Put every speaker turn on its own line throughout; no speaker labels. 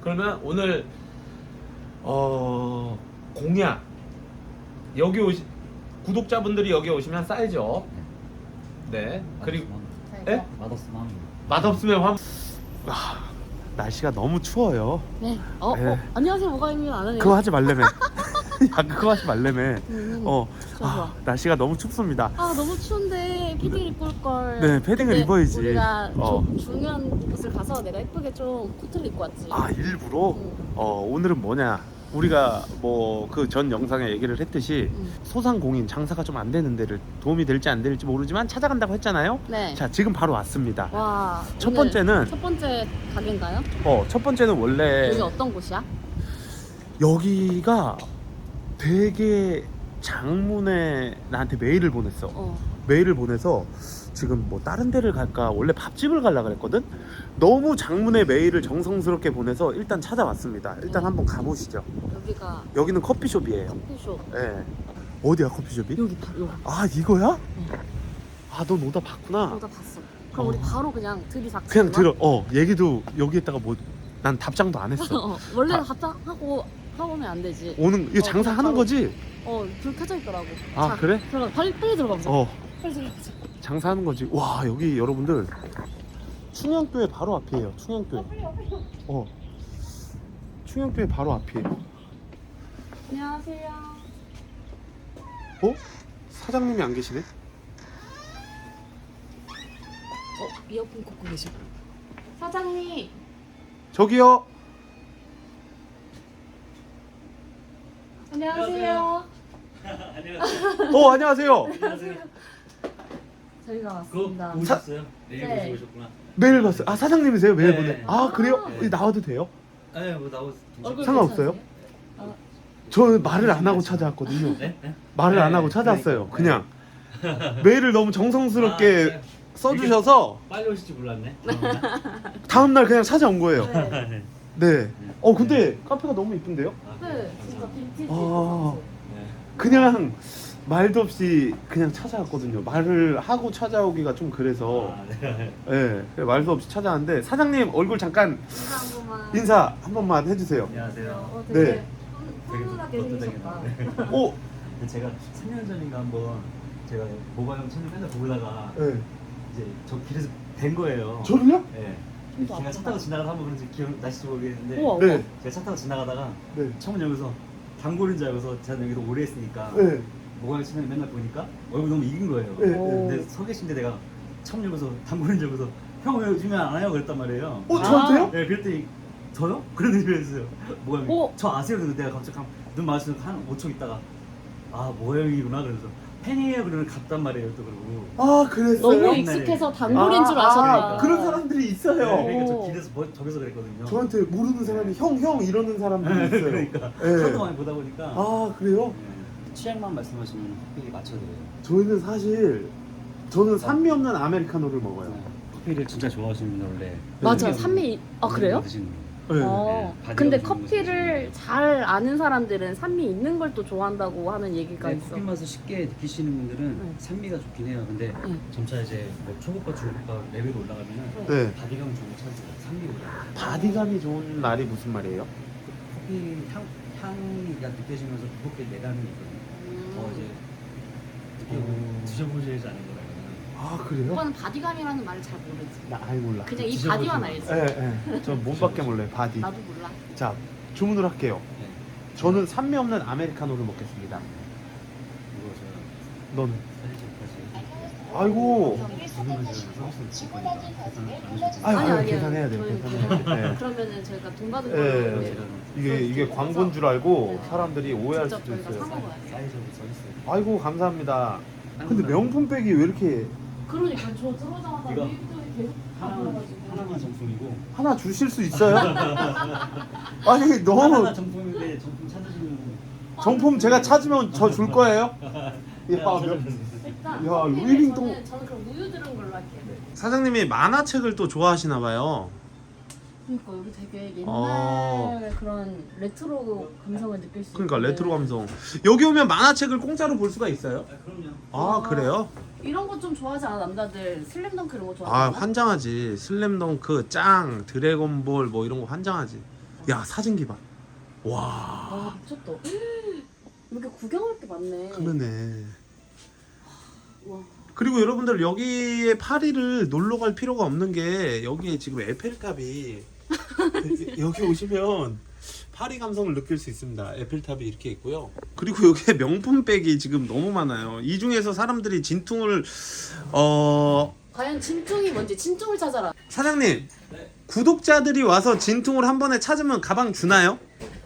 그러면 오늘 공약 여기 구독자분들이 여기 오시면 사이즈업. 네. 그리고 예?
맛없으면
맛없으면 날씨가 너무 추워요.
네.
네.
안녕하세요. 모가입니다. 안 하네요.
그거 하지 말래매. 야, 그거 하지 말래매.
좋아, 좋아.
날씨가 너무 춥습니다.
아 너무 추운데 패딩 입고 올 걸.
네, 패딩을 입어야지.
우리가 중요한 곳을 가서 내가 예쁘게 좀 코트를 입고 왔지.
아, 일부러? 오늘은 뭐냐? 우리가 뭐 그 전 영상에 얘기를 했듯이 소상공인 장사가 좀 안 되는 데를 도움이 될지 안 될지 모르지만 찾아간다고 했잖아요.
네.
자, 지금 바로 왔습니다.
와.
첫
오늘
번째는
첫 번째 가게인가요?
첫 번째는 원래
여기 어떤 곳이야?
여기가 되게 장문에 나한테 메일을 보냈어. 메일을 보내서 지금 뭐 다른 데를 갈까 원래 밥집을 가려고 그랬거든. 너무 장문의 메일을 정성스럽게 보내서 일단 찾아왔습니다. 일단 한번 가보시죠. 여기는 커피숍이에요.
커피숍.
예. 어디야 커피숍이?
여기.
아, 이거야? 아, 넌 오다 봤구나.
오다 봤어. 그럼 우리 바로 그냥 들이닥쳐.
그냥 들어. 얘기도 여기에다가 뭐 난 답장도 안 했어.
원래는 답장하고 하고면 안 되지.
오는 이거 장사하는
바로.
거지?
불 켜져 있더라고.
아,
자,
그래?
들어가. 빨리 들어가 보자. 빨리 들어가자.
장사하는 거지. 와, 여기 여러분들 충영교회 바로 앞이에요. 충영교회. 충영교회 바로 앞이에요.
안녕하세요.
사장님이 안 계시네?
이어폰 꽂고 계셔. 사장님.
저기요.
안녕하세요.
안녕하세요.
저희가 왔습니다.
오셨어요?
네.
네, 오셨구나.
메일 봤어요. 아, 사장님이세요? 메일
네.
보내. 아, 그래요?
아.
나와도 돼요?
네, 뭐 나오.
얼굴
상관없어요?
괜찮으세요?
저는 말을 안 하고 찾아왔거든요.
네? 네?
말을 안
네,
하고 찾아왔어요.
그러니까.
그냥 메일을 너무 정성스럽게
네.
써주셔서
빨리 오실 줄 몰랐네.
다음날 그냥 찾아온 거예요.
네.
네. 근데 카페가 너무 이쁜데요?
네, 진짜 빈티지.
아.
네.
그냥 말도 없이 그냥 찾아왔거든요. 말을 하고 찾아오기가 좀 그래서 네, 말도 없이 찾아왔는데 사장님 얼굴 잠깐
인사 한 번만.
인사 한 번만 해주세요.
안녕하세요.
되게
네.
훈훈하게
그것도
생기셨다.
오,
제가 3년 전인가 한번 제가 모바일 채널 맨날 보다가
네.
이제 저 길에서 뵌 거예요.
저를요?
네.
진짜
제가 차 타고 지나가다 한번 그런지 기억 나실지 모르겠는데
우와.
네.
제가 차 타고 지나가다가
네.
처음 여기서 단골인 줄 알고서 제가 여기서 오래 했으니까
네.
모바일 채널 맨날 보니까 얼굴 너무 익은 거예요.
네.
근데 서 계신데 내가 처음 여기서 단골인 줄 알고서 형 왜 요즘에 안 와요? 그랬단 말이에요.
저한테요?
네, 그랬더니 저요? 그런 의미였어요. 모양이.
오.
저 아세요? 그래서 내가 갑자기 눈 마주쳐서 한 5초 있다가 모양이구나 그래서 팬이에요 그러면 갔단 말이에요 또 그러고.
아, 그랬어요?
너무
옛날에.
익숙해서 단골인 줄 아셨다.
그런 사람들이 있어요.
네, 그러니까 저
오.
길에서 저기서 그랬거든요.
저한테 모르는 사람이 형 이러는 사람들이
네,
있어요.
그러니까
네.
하도 많이 보다 보니까.
아, 그래요?
네. 취향만 말씀하시면 커피 맞춰드려요.
저희는 사실 저는 산미 없는 아메리카노를 먹어요.
커피를 진짜 좋아하시는 분 원래.
맞아, 산미. 그래요?
드시는 거예요.
네.
바디가
근데
좋은
커피를 잘 아는 사람들은 산미 있는 걸 또 좋아한다고 하는 얘기가
네,
있어.
커피 맛을 쉽게 느끼시는 분들은
네.
산미가 좋긴 해요. 근데
네.
점차 이제 뭐 초급과 중급과 레벨이 올라가면은
네.
바디감 좋은 거 찾으세요. 산미 올라.
바디감이 좋은 말이 무슨 말이에요?
커피 향이가 느껴지면서 무겁게 내다는 게 있거든요. 이제 드셔보시지 않은 거라면.
아, 그래요?
오빠는 바디감이라는 말을 잘 모르지.
나 아예 몰라.
그냥 이
드셔보시면-
바디만 알지.
예. 저 몸밖에 몰라요. 바디.
나도 몰라.
자, 주문을 할게요.
네.
저는 산미 없는 아메리카노를 먹겠습니다.
이거 제가
너는?
사실
아이고.
주문하시는 서비스 줄 거니까 계산 안 하셔도
아유,
아니요.
계산해야 돼요.
저희
계산해야 돼요. 네.
그러면 저희가 돈 받은
예.
걸로
네.
이게 광고인 줄 알고
네.
사람들이 오해할
직접
수도
저희가 사
있어요.
먹어야 돼.
사이즈로 서비스.
아이고, 감사합니다. 근데 명품백이 왜 이렇게
그러니까 저 들어오자마자
이거
미국도 계속
하나만 정품이고
하나 주실 수 있어요? 아니,
하나
너무
정품인데 정품 찾으시면
정품 제가 찾으면 저 줄 거예요? 예, 아,
일단
야,
커피를
루이빙통.
저는 그럼 우유 들은 걸로 할게요.
사장님이 만화책을 또 좋아하시나 봐요.
그러니까 여기 되게 옛날
어.
그런 레트로 감성을 느낄 수
그러니까
있는데
레트로 감성. 여기 오면 만화책을 공짜로 볼 수가 있어요?
그럼요.
아, 그래요?
이런 거 좀 좋아하지 않아 남자들? 슬램덩크 이런 거
아,
좋아하지 않아?
환장하지. 슬램덩크, 짱, 드래곤볼 뭐 이런 거 환장하지. 야 사진기 봐. 와.
와 미쳤다. 이렇게 구경할 게 많네.
그러네.
와.
그리고 여러분들 여기에 파리를 놀러 갈 필요가 없는 게 여기에 지금 에펠탑이 여기 오시면 파리 감성을 느낄 수 있습니다. 에펠탑이 이렇게 있고요. 그리고 여기에 명품백이 지금 너무 많아요. 이 중에서 사람들이 진퉁을
과연 진퉁이 뭔지 진퉁을 찾아라.
사장님 구독자들이 와서 진퉁을 한 번에 찾으면 가방 주나요?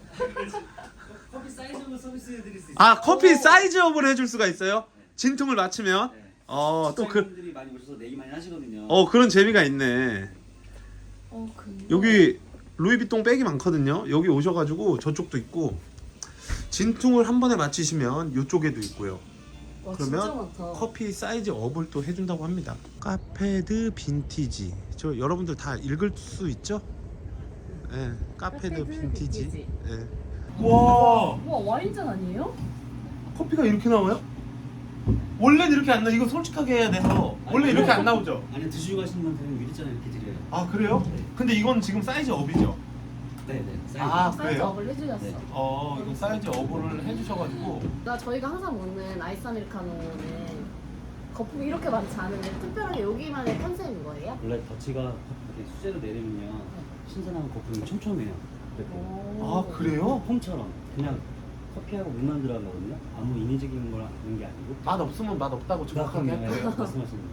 커피 사이즈로 서비스해드릴 수 있어요.
아 커피 사이즈업을 해줄 수가 있어요? 진퉁을 맞추면?
네.
또
직장인들이 많이 오셔서 내기 많이 하시거든요.
그런 재미가 있네.
근데...
여기 루이비통 백이 많거든요. 여기 오셔가지고 저쪽도 있고 진퉁을 한 번에 맞히시면 이쪽에도 있고요.
와,
그러면
진짜 많다.
커피 사이즈 업을 또 해준다고 합니다. 카페드 빈티지. 저 여러분들 다 읽을 수 있죠? 네, 카페드 빈티지. 네. 와,
와 와인잔 아니에요?
커피가 이렇게 나와요? 원래는 이렇게 안 나. 이거 솔직하게 해야 돼서 원래 이렇게 안 나오죠?
아니 드시고 가시는 분들은 유리잔 이렇게 드려요.
아 그래요?
네.
근데 이건 지금 사이즈 업이죠?
네네. 사이즈.
아,
사이즈
그래요?
업을 해주셨어.
네.
이거 사이즈 업을 해주셔가지고
저희가 항상 먹는 아이스 아메리카노는 거품이 이렇게 많지 않은데 특별하게 여기만의 컨셉인 거예요?
원래 덧치가 이렇게 수제로 내리면요 신선한 거품이 촘촘해요. 이렇게
오.
아 그래요?
폼처럼 그냥 커피하고 물만 들어가거든요. 아무 인위적인 거는 게 아니고.
맛 없으면 맛 없다고 정확하게 할 거예요.
말씀하시는 거예요.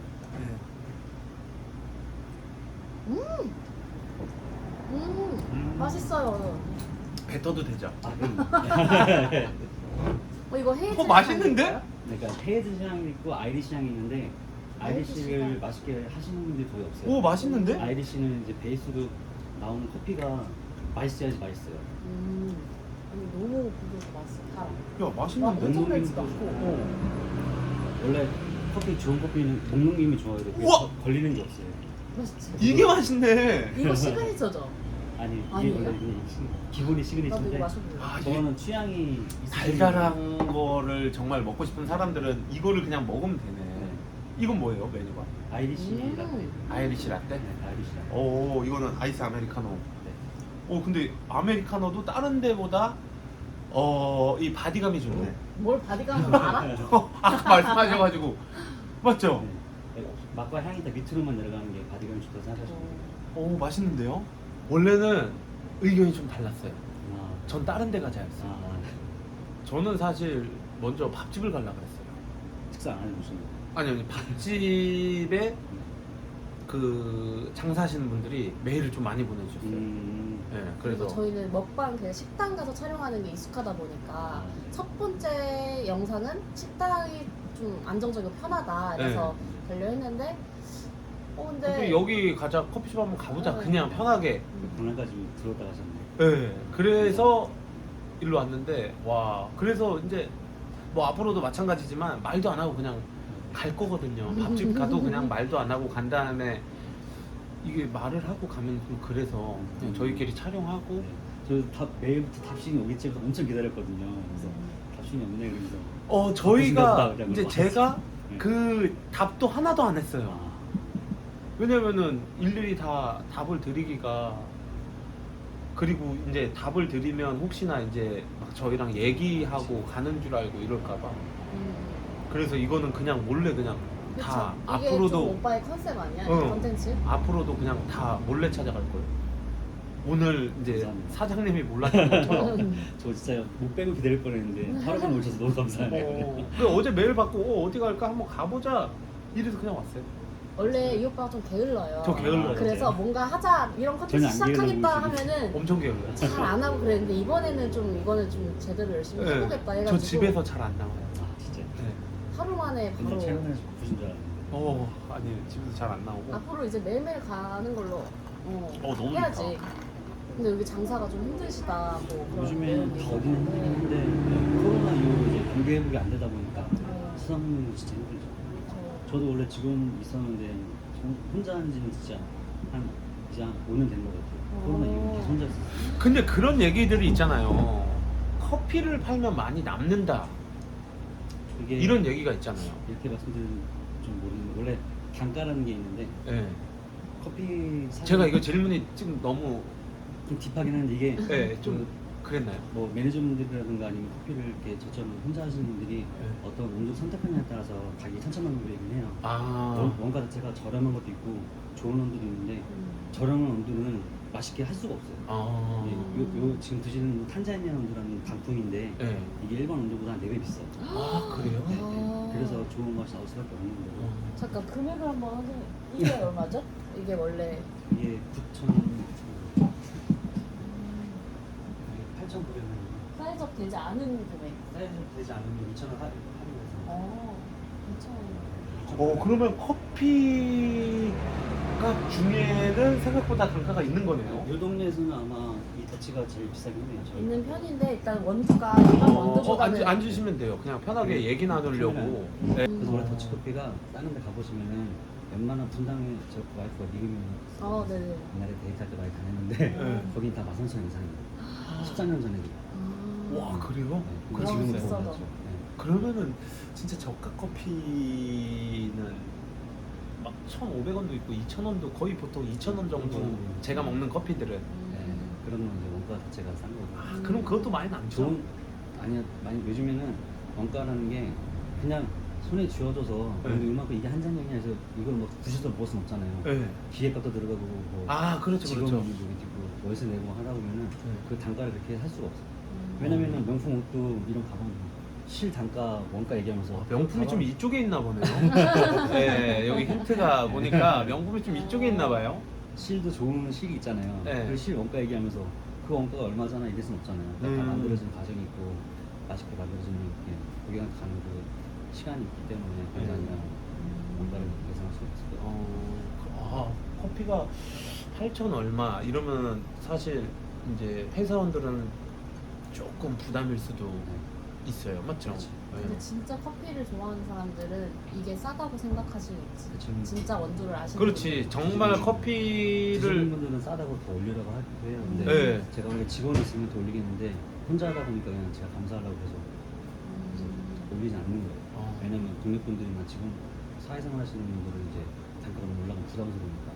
맛있어요.
뱉어도 되죠?
아 그럼.
이거 헤이즐
맛있는데?
그러니까 헤이즈 향이 있고 아이리시 향이 있는데 아이리시를
아이리시가-
맛있게 하시는 분들이 거의 없어요.
오 맛있는데?
아이리시는 이제 베이스로 나오는 커피가 맛있어야지 맛있어요.
아니 너무 부드럽고 맛있어. 달아.
야
막
맛있는데?
엄청 달지도
음.
않고.
원래 커피 좋은 커피는 먹는 김이 좋아야 돼.
우와!
걸리는 게 없어요.
맛있지.
이게 맛있네.
이거 시그니처죠?
아니 이게
아니에요?
원래 이게 기본이
나도
시그니처인데
이거 마셔볼래.
아, 이게
저거는 취향이
달달한 거를 정말 먹고 싶은 사람들은 이거를 그냥 먹으면 되네. 이건 뭐예요 메뉴가?
아이리시
음.
라떼.
아이리시 라떼?
네, 아이리시 라떼.
오 이거는 아이스 아메리카노.
네.
근데 아메리카노도 다른 데보다 이 바디감이 좋네.
뭘 바디감을 알아?
아까 말씀하셔가지고 맞죠?
네. 맛과 향이 다 밑으로만 내려가는 게 바디감이 좋다고 생각하시면 돼요.
오 맛있는데요? 원래는 의견이 좀 달랐어요.
아,
전 다른 데 가자 했어요.
아,
저는 사실 먼저 밥집을 가려고 했어요.
식사 안 하는 무슨
아니 밥집에 그 장사하시는 분들이 메일을 좀 많이 보내주셨어요. 네,
그리고
그래서
저희는 먹방 그냥 식당 가서 촬영하는 게 익숙하다 보니까 첫 번째 영상은 식당이 좀 안정적이고 편하다 그래서 가려 했는데 근데
근데 여기 가자 커피숍 한번 가보자
네.
그냥 편하게.
강남까지 들어왔다 가셨네.
네, 그래서 일로 왔는데 와 그래서 이제 뭐 앞으로도 마찬가지지만 말도 안 하고 그냥 갈 거거든요. 밥집 가도 그냥 말도 안 하고 간 다음에 이게 말을 하고 가면 좀 그래서 그냥 저희끼리 촬영하고
저답 매일부터 답신이 오겠지 해서 엄청 기다렸거든요. 그래서 답신이 없네 그래서
저희가
그냥
이제
그러고
제가
네.
그 답도 하나도 안 했어요.
아,
왜냐면은 일일이 다 답을 드리기가 그리고 이제 답을 드리면 혹시나 이제 막 저희랑 얘기하고 가는 줄 알고 이럴까봐 그래서 이거는 그냥 몰래 그냥 다
그쵸? 이게 좀
앞으로도
오빠의 컨셉 아니야?
응.
컨텐츠?
앞으로도 그냥 다 몰래 찾아갈 거예요. 오늘 이제
감사합니다.
사장님이 몰랐던 것처럼
저 진짜 못 빼고 기다릴 뻔했는데 하루 만에 오셔서 너무 감사하네요.
어제 메일 받고 어디 갈까 한번 가보자 이래서 그냥 왔어요.
원래 이 오빠가 좀 게을러요.
저 게을러요.
그래서 뭔가 하자 이런 컨텐츠
전혀 안
시작하겠다
게을러요,
하면은
엄청 게을러요.
잘 안 하고 그랬는데 이번에는 좀 이거는 좀 제대로 열심히 해보겠다 해가지고
저 집에서 잘 안 나와요.
아 진짜.
네.
하루 만에 바로
근데 촬영에서 보신 줄 알았는데.
아니 집에서 잘 안 나오고.
앞으로 이제 매일매일 가는 걸로
너무
해야지.
좋다.
근데 여기 장사가 좀 힘드시다 뭐 그런
요즘에는
내용이
더 어디는
있는데.
힘든데 코로나 이후로 이제 경기 회복이 안 되다 보니까
네.
수상은 진짜 힘들죠. 저도 원래 지금 있었는데 혼자 한 지는 진짜 한 이제 한 5년 된 것 같아요. 코로나 이후로 계속 혼자 있었어요.
근데 그런 얘기들이 있잖아요. 커피를 팔면 많이 남는다.
이게
이런 얘기가 있잖아요.
이렇게 말씀드리면 좀 모르는데 원래 단가라는 게 있는데
네.
커피
제가 이거 질문이 지금 너무
좀 딥하긴 한데 이게
네, 좀 그랬나요?
뭐 매니저분들이라든가 아니면 커피를 이렇게 저처럼 혼자 하시는 분들이 어떤 온도 선택하느냐에 따라서 가격이 천차만별이긴 해요. 원가 자체가 저렴한 것도 있고 좋은 온도도 있는데 저렴한 온도는 맛있게 할 수가 없어요. 요 지금 드시는 탄자니아 온도라는 단품인데
네.
이게 일반 온도보다 한 4배 비싸요.
그래요?
아.
그래서 좋은 맛이 나올 수밖에 없는 거고.
잠깐 금액을 한번 하세요. 이게 얼마죠? 이게 원래
이게 9,000원, 8,900원.
사이즈업 되지 않은 금액.
사이즈 되지 않으면 2,000원 할인해서.
괜찮아요.
그러면 커피가 중에는 생각보다 단가가 있는 거네요.
이 동네에서는 아마 이 더치가 제일 비싸긴 해요. 저희.
있는 편인데 일단 원두가 일반 원두보다는
앉으시면 돼요. 그냥 편하게 얘기 나누려고. 네.
그래서 원래 더치커피가 다른 데 가보시면은 웬만한 분당에 저 와이프가 미국에
네네.
옛날에 데이트할 때 많이 다녔는데
네.
거긴 다 13,000원 이상이에요. 14년 전에.
와, 그래요?
네,
와,
지금은
비싸다.
더 올랐죠. 네.
그러면은 진짜 저가 커피는 막 1,500원도 있고 2,000원도 거의 보통 2,000원 정도 제가 먹는 커피들은.
네, 그런 건 이제 원가 자체가 싼 거고.
그럼 그것도 많이 남죠?
좋은 아니야 많이 요즘에는 원가라는 게 그냥 손에 쥐어져서
네.
근데 이만큼 이게 한 잔이냐 해서 이걸 뭐 부셔서 먹을 순 없잖아요.
네.
기계값도 들어가고 뭐
그렇죠,
직원
그렇죠.
뭐 월세 내고 하다 보면은 그 단가를 그렇게 할 수가 없어. 요
음.
왜냐면은 명품 옷도 이런 가방 실 단가 원가 얘기하면서
명품이 좀
가방-
이쪽에 있나 보네요. 네, 여기 힌트가 보니까 명품이 좀 이쪽에 있나 봐요.
실도 좋은 실이 있잖아요.
네.
그 실 원가 얘기하면서 그 원가가 얼마잖아 이럴 순 없잖아요. 그러니까 다
음.
만들어지는 과정이 있고 맛있게 만들어지는 고객한테 가는 그 시간이 있기 때문에 그게 아니라 원가를 예상할 수 없을 거예요.
커피가 8,000 얼마 이러면 사실 이제 회사원들은 조금 부담일 수도 있어요, 맞죠?
그렇지.
근데 진짜 커피를 좋아하는 사람들은 이게 싸다고 생각할 수 있지.
지금
진짜 원두를 아시는
그렇지, 정말
드시는
커피를
분들은 싸다고 더 올리라고 하기도 해요. 근데
네.
제가 원래 직원이 있으면 더 올리겠는데 혼자 하다 보니까 그냥 제가 감사하려고 해서 올리지 않는 거예요. 왜냐면 동네 분들이나 지금 사회생활 하시는 분들은 이제 단가가 너무 올라가면 부담스러우니까.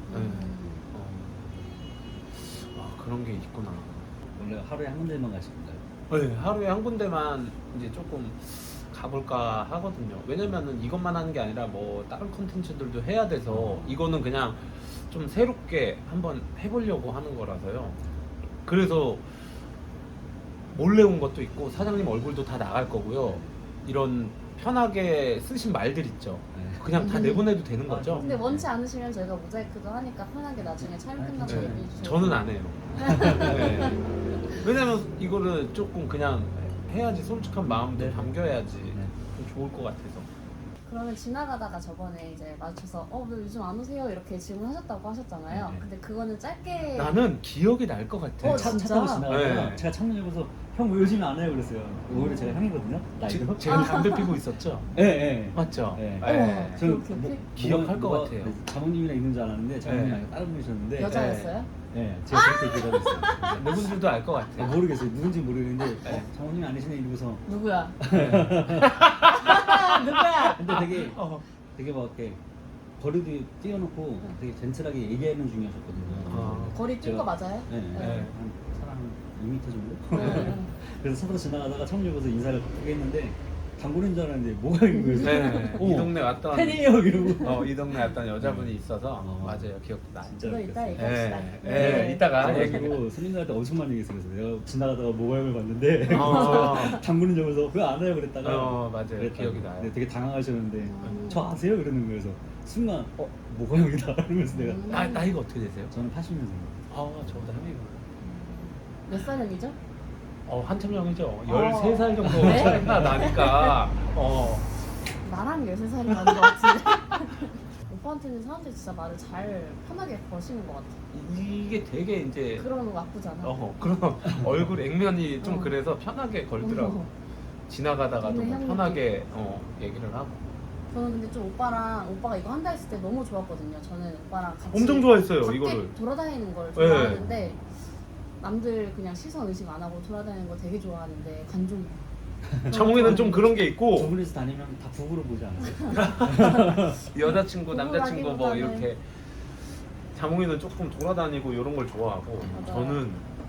그런 게 있구나.
원래 하루에 한 군데만 가실 건가요?
네, 하루에 한 군데만 이제 조금 가볼까 하거든요. 왜냐면은 이것만 하는 게 아니라 뭐 다른 컨텐츠들도 해야 돼서 이거는 그냥 좀 새롭게 한번 해보려고 하는 거라서요. 그래서 몰래 온 것도 있고 사장님 얼굴도 다 나갈 거고요. 이런 편하게 쓰신 말들 있죠.
네.
그냥 다 내보내도 되는 거죠.
근데 원치 않으시면 저희가 모자이크도 하니까 편하게 나중에 촬영 끝나고
괜찮아요.
얘기해 주세요.
저는 안 해요. 네. 왜냐면 이거를 조금 그냥 해야지 솔직한 마음도
네.
담겨야지
네.
좀 좋을 것 같아서.
그러면 지나가다가 저번에 이제 마주쳐서 왜 요즘 안 오세요? 이렇게 질문하셨다고 하셨잖아요.
네.
근데 그거는 짧게
나는 기억이 날 것 같아.
진짜?
차 타고 지나가다가
네.
제가 창문 열고서 형 왜 요즘 안 해요? 그랬어요. 오히려 제가 형이거든요. 나이도.
제가 담배 피고 있었죠?
예, 예.
맞죠?
네.
네.
저는
그렇게
기억할 것 같아요.
장모님이랑 있는 줄 알았는데 장모님이
네.
아니라 다른 분이셨는데
여자였어요?
네, 제가 그렇게 얘기하고 있어요.
누군지도 알 것 같아.
모르겠어요. 누군지 모르겠는데
네.
장모님이 아니시네 이러고서
누구야?
네.
누구야?
근데 되게
어.
되게 막 이렇게 거리도 띄워놓고 되게 젠틀하게 얘기하는 중이셨거든요.
거리 뛴 거 맞아요?
네,
네.
한 사람 2m 정도?
네.
그래서 차로 지나가다가 창문 열고서 인사를 크게 했는데 단골인 줄 알았는데 뭐가 있는 거예요?
네. 이 동네 왔던
팬이에요 이러고.
이 동네 왔던 여자분이 있어서 맞아요. 기억도 나.
진짜
이거 이따
그랬어요.
얘기합시다.
네. 네. 이따가 얘기.
그래가지고 손님들한테 엄청 많이 얘기했어요. 그래서 내가 지나가다가 모바일을 봤는데 당구는 적어서 왜 안 와요 그랬다가
맞아요.
그랬다고.
기억이 나요.
근데 되게 당황하셨는데
음.
저 아세요? 이러는 거예요. 그래서 순간 모가 형이다 이러면서 내가
나이가 어떻게 되세요?
저는 80년생이에요.
저보다 형이구나.
몇 살형이죠?
한참 형이죠. 13살 정도
네?
차이가 나니까.
나랑 13살이 나는 것 같은데. 오빠한테는 사람들이 진짜 말을 잘 편하게 거시는 것 같아.
이게 되게 이제
그러는 거 나쁘잖아.
그런 얼굴 액면이 좀
어.
그래서 편하게 걸더라고. 지나가다가도
동네
뭐
형님.
편하게 얘기를 하고.
저는 근데 좀 오빠가 이거 한다 했을 때 너무 좋았거든요. 저는 오빠랑 같이
엄청 좋아했어요,
밖에
이거를.
돌아다니는 걸
네.
좋아하는데 남들 그냥 시선 의식 안 하고 돌아다니는 거 되게 좋아하는데 관종.
창웅이는 좀 그런 게 있고
두 분이서 다니면 다 부부로 보지 않으세요?
여자친구, 남자친구 뭐
부부라기보다는-
이렇게 자몽이는 조금 돌아다니고 이런 걸 좋아하고
맞아요.
저는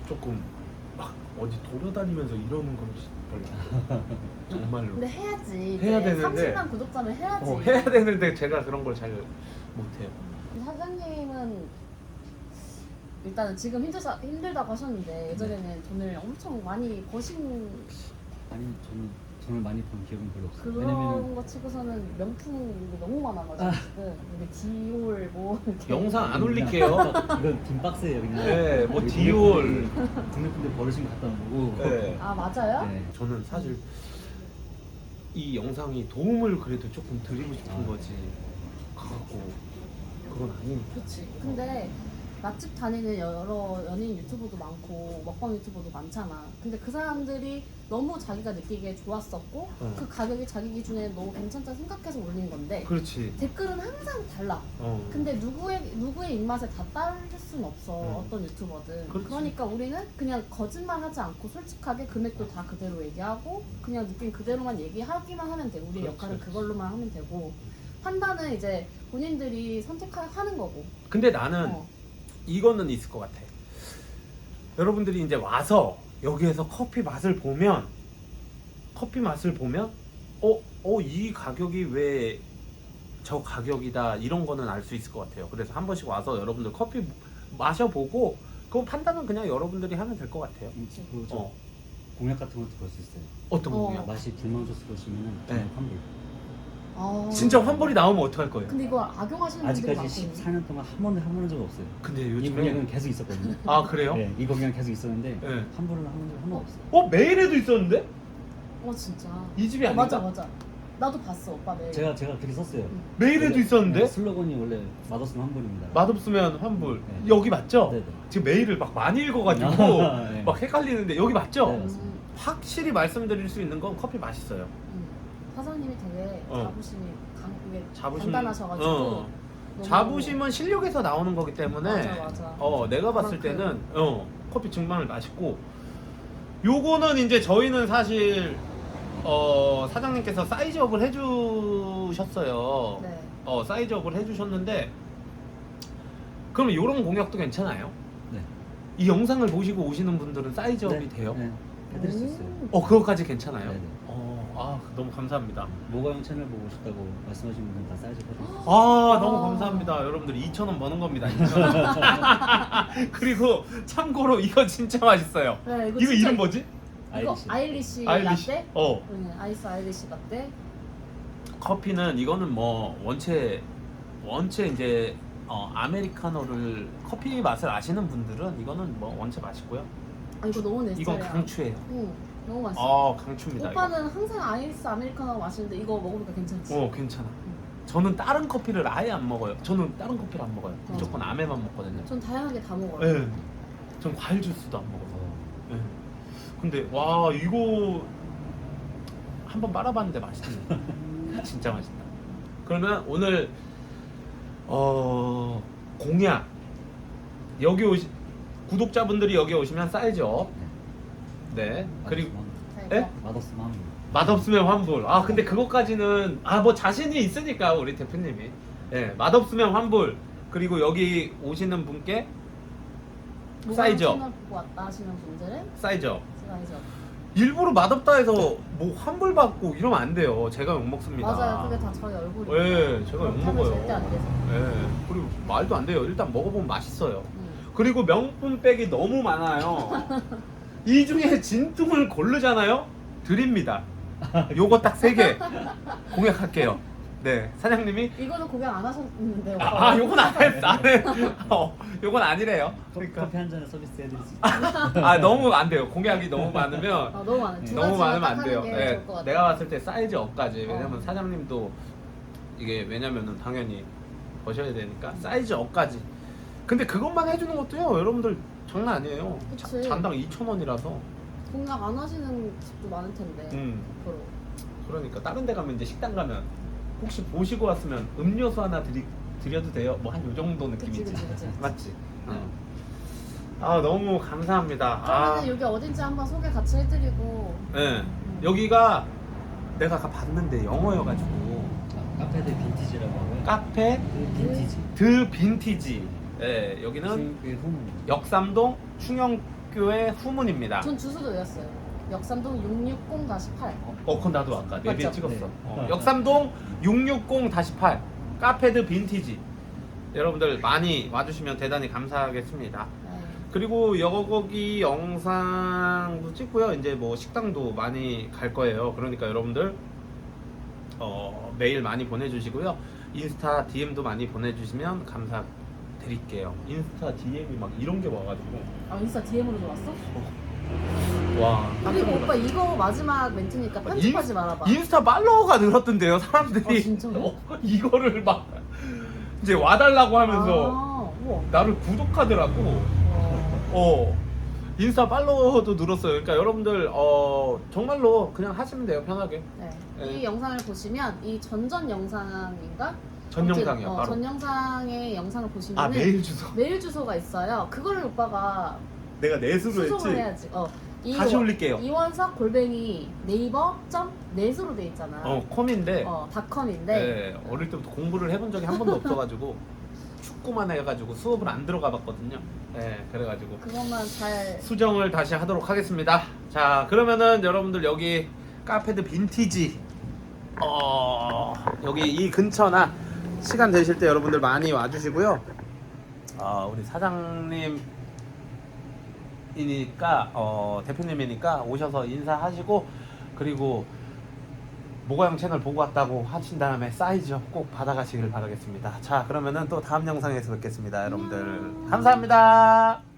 조금 막 어디 돌아다니면서 이러는 건 별로 정말로
근데 해야지.
해야
이제
되는데.
30만 구독자면 해야지.
해야 되는데 제가 그런 걸 잘 못해요.
사장님은 일단은 지금 힘들다고 하셨는데 예전에는 돈을 엄청 많이 버신
아니 저는 돈을 많이 번 기억은 별로 없어요.
그런
왜냐면은
거 치고서는 명품이 너무 많아가지고 지금 이게 디올 뭐 이렇게
영상 안 올릴게요.
이건 빈 박스예요 그냥.
네, 뭐
여기
디올.
국내분들 버리신 거 갖다 놓고.
네.
아 맞아요?
네.
저는 사실 이 영상이 도움을 그래도 조금 드리고 싶은 거지. 가고 그건 아니니까.
그렇지. 근데 맛집 다니는 여러 연예인 유튜버도 많고 먹방 유튜버도 많잖아. 근데 그 사람들이 너무 자기가 느끼기에 좋았었고 그 가격이 자기 기준에 너무 괜찮다 생각해서 올린 건데
그렇지.
댓글은 항상 달라. 근데 누구의 입맛에 다 따를 수는 없어. 어떤 유튜버든.
그렇지.
그러니까 우리는 그냥 거짓말하지 않고 솔직하게 금액도 다 그대로 얘기하고 그냥 느낀 그대로만 얘기하기만 하면 돼. 우리
그렇지.
역할은 그걸로만 하면 되고 판단은 이제 본인들이 선택하는 거고.
근데 나는
어.
이거는 있을 것 같아. 여러분들이 이제 와서 여기에서 커피 맛을 보면 이 가격이 왜 저 가격이다 이런 거는 알 수 있을 것 같아요. 그래서 한 번씩 와서 여러분들 커피 마셔보고 그 판단은 그냥 여러분들이 하면 될 것 같아요.
그리고 저 공약 같은 것도 볼 수 있어요.
어떤
어.
공약?
맛이 불만족스 보시면은
네.
환불.
아.
진짜 환불이 나오면 어떡할 거예요?
근데 이거 악용하시는 분들이
아직까지
많거든요.
14년 동안 한 번도 해본 적이 없어요.
근데
이
요즘에
공약은 계속 있었거든요.
아 그래요?
네, 이 공약은 계속 있었는데
네.
환불을 한 적이 한 번 없어요.
메일에도 있었는데?
진짜.
이 집이 아닌가?
맞아. 나도 봤어 오빠 매일.
제가 그렇게 썼어요.
메일에도
원래,
있었는데?
네, 슬로건이 원래 맛없으면 환불입니다.
맛없으면 환불.
네.
여기 맞죠?
네네.
지금 메일을 막 많이 읽어가지고
네.
막 헷갈리는데 여기 맞죠?
네, 맞습니다.
확실히 말씀드릴 수 있는 건 커피 맛있어요.
사장님이 되게 자부심이
자부심.
단단하셔가지고
어.
너무-
자부심은 실력에서 나오는 거기 때문에
맞아.
내가 봤을
그만큼.
때는 커피 정말 맛있고 요거는 이제 저희는 사실 사장님께서 사이즈업을 해주셨어요.
네.
사이즈업을 해주셨는데 그러면 요런 공약도 괜찮아요?
네.
이 영상을 보시고 오시는 분들은 사이즈업이
네,
돼요?
네. 해드릴 수 있어요.
그거까지 괜찮아요?
네네.
너무 감사합니다.
모가용 채널 보고 싶다고 말씀하신 분들은 다 사이즈 해드릴게요.
너무 감사합니다. 여러분들 2,000원 버는 겁니다. 2,000원. 그리고 참고로 이거 진짜 맛있어요.
네,
이거
진짜-
이름 뭐지?
이거 아일리시
아일리시.
라떼? 아이스 아일리시 라떼.
커피는 이거는 뭐 원체 이제 아메리카노를 커피 맛을 아시는 분들은 이거는 뭐 원체 맛있고요.
이거 너무 내
이건
스타일이야.
강추예요.
너무 맛있어.
강추입니다.
오빠는 항상 아이스 아메리카노 마시는데 이거 먹으니까 괜찮지?
이거. 괜찮아. 저는 다른 커피를 아예 안 먹어요. 저는 다른 커피를 안 먹어요. 무조건 아메만 먹거든요.
전 다양하게 다 먹어요.
네. 전 과일 주스도 안 먹어요. 네. 근데 와 이거 한번 빨아봤는데 맛있네. 진짜 맛있다. 그러면 오늘 공약 구독자분들이 여기 오시면 사이즈업. 네. 그리고 예?
맛없으면 환불.
맛없으면 환불. 근데 그것까지는 뭐 자신이 있으니까 우리 대표님이. 맛없으면 환불. 그리고 여기 오시는 분께 사이즈업.
채널 보고 왔다 하시는 분들은
사이즈업.
사이즈업.
일부러 맛없다 해서 뭐 환불 받고 이러면 안 돼요. 제가 욕 먹습니다.
맞아요. 그게 다 저희 얼굴이에요.
예, 제가 욕 먹어요.
절대 안 돼서.
그리고 말도 안 돼요. 일단 먹어보면 맛있어요. 그리고 명품백이 너무 많아요. 이 중에 진퉁을 고르잖아요. 드립니다. 요거 딱 3개 공약할게요. 네, 사장님이
이거는 공약 안 하셨는데 오빠.
요건 안 했어. 안 해. 요건 아니래요. 그러니까
커피 한 잔에 서비스 해드릴 수 있어요.
너무 안 돼요. 공약이 너무 많으면
너무 많아요. 두
너무
가지만
많으면
딱
안 돼요.
하는 게 좋을 것 같아요.
내가 봤을 때 사이즈 업까지. 왜냐면
어.
사장님도 이게 왜냐면은 당연히 버셔야 되니까 사이즈 업까지. 근데 그것만 해주는 것도요, 여러분들 장난 아니에요.
그치.
잔당 2,000원이라서.
공약 안 하시는 집도 많을 텐데. 앞으로.
그러니까 다른 데 가면 이제 식당 가면 혹시 보시고 왔으면 음료수 하나 드려도 돼요? 뭐 한 요 정도 느낌이지.
그치.
맞지? 너무 감사합니다.
그러면 여기 어딘지 한번 소개 같이 해드리고.
네. 여기가 내가 아까 봤는데 영어여가지고
카페 드 빈티지라고 하고요.
카페
그 빈티지.
드 빈티지. 네, 여기는
그 후문.
역삼동 학교의 후문입니다.
전 주소도 외웠어요. 역삼동 660-8.
그건 나도 아까 내비에
맞죠?
찍었어.
네.
역삼동 660-8 카페드 빈티지. 여러분들 많이 와주시면 대단히 감사하겠습니다.
네.
그리고 여기 영상도 찍고요. 이제 뭐 식당도 많이 갈 거예요. 그러니까 여러분들 메일 많이 보내주시고요. 인스타 DM도 많이 보내주시면 감사드릴게요. 인스타 DM이 막 이런 게 와가지고
아, 인스타 DM으로 들어왔어?
와.
그리고 오빠 이거 마지막 멘트니까 편집하지 말아봐.
인스타 팔로워가 늘었던데요. 사람들이
아, 진짜요?
이거를 막 이제 와달라고 하면서
아, 우와.
나를 구독하더라고. 인스타 팔로워도 늘었어요. 그러니까 여러분들 정말로 그냥 하시면 돼요. 편하게.
네.
네.
이 영상을 보시면 이 전전 영상인가?
전
아무튼,
영상이요. 바로.
전 영상의 영상을 보시면
메일 주소.
메일 주소가 있어요. 그거를 오빠가
내가 내수로
수송을
했지.
해야지.
다시 올릴게요.
이원석 네이버.net으로 돼 있잖아.
콤인데.
닷컴인데.
네, 어릴 때부터 공부를 해본 적이 한 번도 없어가지고 축구만 해가지고 수업을 안 들어가 봤거든요. 네, 그래가지고
그것만 잘.
수정을 다시 하도록 하겠습니다. 자, 그러면은 여러분들 여기 카페드 빈티지 여기 이 근처나 시간 되실 때 여러분들 많이 와주시고요. 우리 사장님이니까 대표님이니까 오셔서 인사하시고, 그리고 모가영 채널 보고 왔다고 하신 다음에 사이즈 꼭 받아가시길 바라겠습니다. 자, 그러면은 또 다음 영상에서 뵙겠습니다. 여러분들 감사합니다.